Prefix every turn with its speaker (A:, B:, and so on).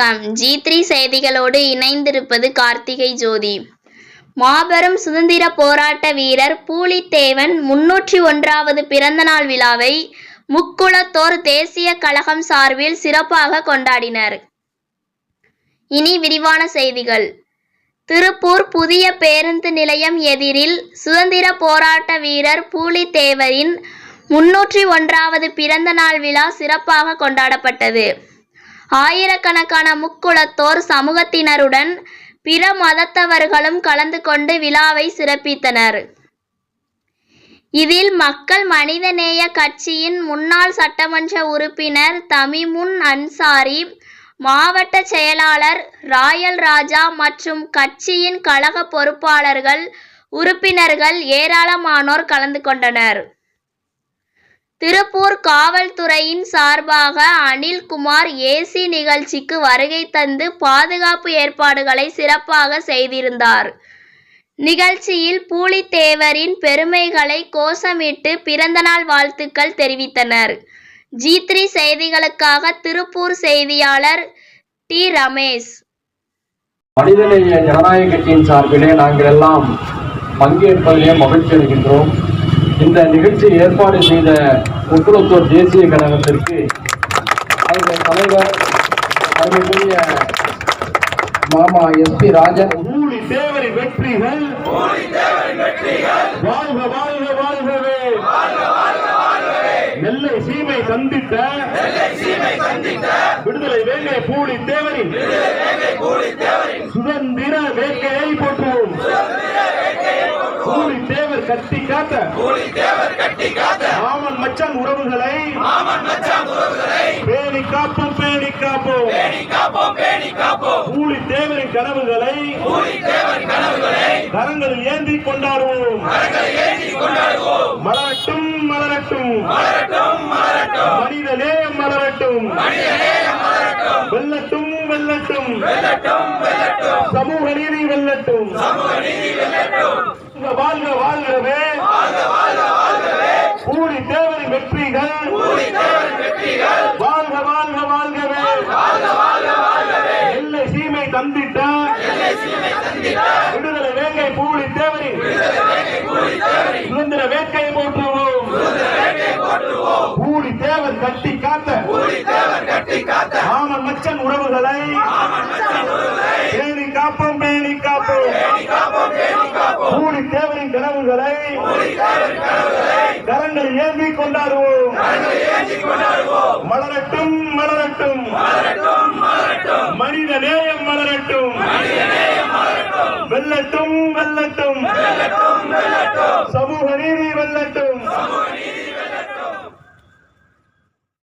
A: வணக்கம். G3 செய்திகளோடு இணைந்திருப்பது கார்த்திகை ஜோதி. மாபெரும் சுதந்திர போராட்ட வீரர் பூலித்தேவன் 301வது பிறந்தநாள் விழாவை முக்குளத்தோர் தேசிய கழகம் சார்பில் சிறப்பாக கொண்டாடினர். இனி விரிவான செய்திகள். திருப்பூர் புதிய பேருந்து நிலையம் எதிரில் சுதந்திர போராட்ட வீரர் பூலித்தேவரின் 301வது பிறந்தநாள் விழா சிறப்பாக கொண்டாடப்பட்டது. ஆயிரக்கணக்கான முக்குளத்தோர் சமூகத்தினருடன் பிற மதத்தவர்களும் கலந்து கொண்டு விழாவை சிறப்பித்தனர். இதில் மக்கள் மனிதநேய கட்சியின் முன்னாள் சட்டமன்ற உறுப்பினர் தமிமுன் அன்சாரி, மாவட்ட செயலாளர் ராயல் ராஜா மற்றும் கட்சியின் கழக பொறுப்பாளர்கள், உறுப்பினர்கள் ஏராளமானோர் கலந்து கொண்டனர். திருப்பூர் காவல்துறையின் சார்பாக அனில்குமார் ஏசி நிகழ்ச்சிக்கு வருகை தந்து பாதுகாப்பு ஏற்பாடுகளை சிறப்பாக செய்திருந்தார். நிகழ்ச்சியில் பூலித்தேவரின் பெருமைகளை கோஷமிட்டு பிறந்தநாள் வாழ்த்துக்கள் தெரிவித்தனர். G3 செய்திகளுக்காக திருப்பூர் செய்தியாளர் டி. ரமேஷ்.
B: மனிதநேய ஜனநாயக கட்சியின் சார்பிலே நாங்கள் எல்லாம் பங்கேற்பதிலே மகிழ்ச்சி அடைகின்றோம். இந்த நிகழ்ச்சியை ஏற்பாடு செய்த முக்குளத்தோர் தேசிய கழகத்திற்கு அதனுடைய தலைவர் அருமைக்குரிய மாமா SP ராஜன்.
C: பூலித்தேவரின் வெற்றிகள் வாழ்க வாழ்க வாழ்கவே. நெல்லை சீமை சந்தித்த விடுதலை வேங்கை பூலித்தேவரின் சுதந்திர வேட்கையை போற்றுவோம். பூலித்தேவர் கட்டி காத்த மாமன் மச்சான் உறவுகளை பேணி காப்போம் பேணி காப்போம். பூலித்தேவரின் கனவுகளை கரங்களில் ஏந்தி கொண்டாடுவோம். மலரட்டும் மலரட்டும் மனித நேயம் மலரட்டும். வெல்லட்டும் வெல்லட்டும் சமூக நீதி வெல்லட்டும். வாழ்க வாழ்கவே. பூலித்தேவரின் வெற்றிகள் வாழ்க வாழ்க வாழ்கவே. எல்லை சீமை தந்திட்ட விடுதலை வேங்கை பூலித்தேவரின் சுதந்திர வேட்கையை போற்றுவோம். பூலித்தேவர் கட்டி காத்த மாமன் மச்சன் உறவுகளை பேணி காப்போம் பேணி காப்போம். பூலித்தேவரின் கனவுகளை கரங்கள் ஏந்தி கொண்டாடுவோம். மலரட்டும் மலரட்டும் மனித நேயம் மலரட்டும். வெல்லட்டும்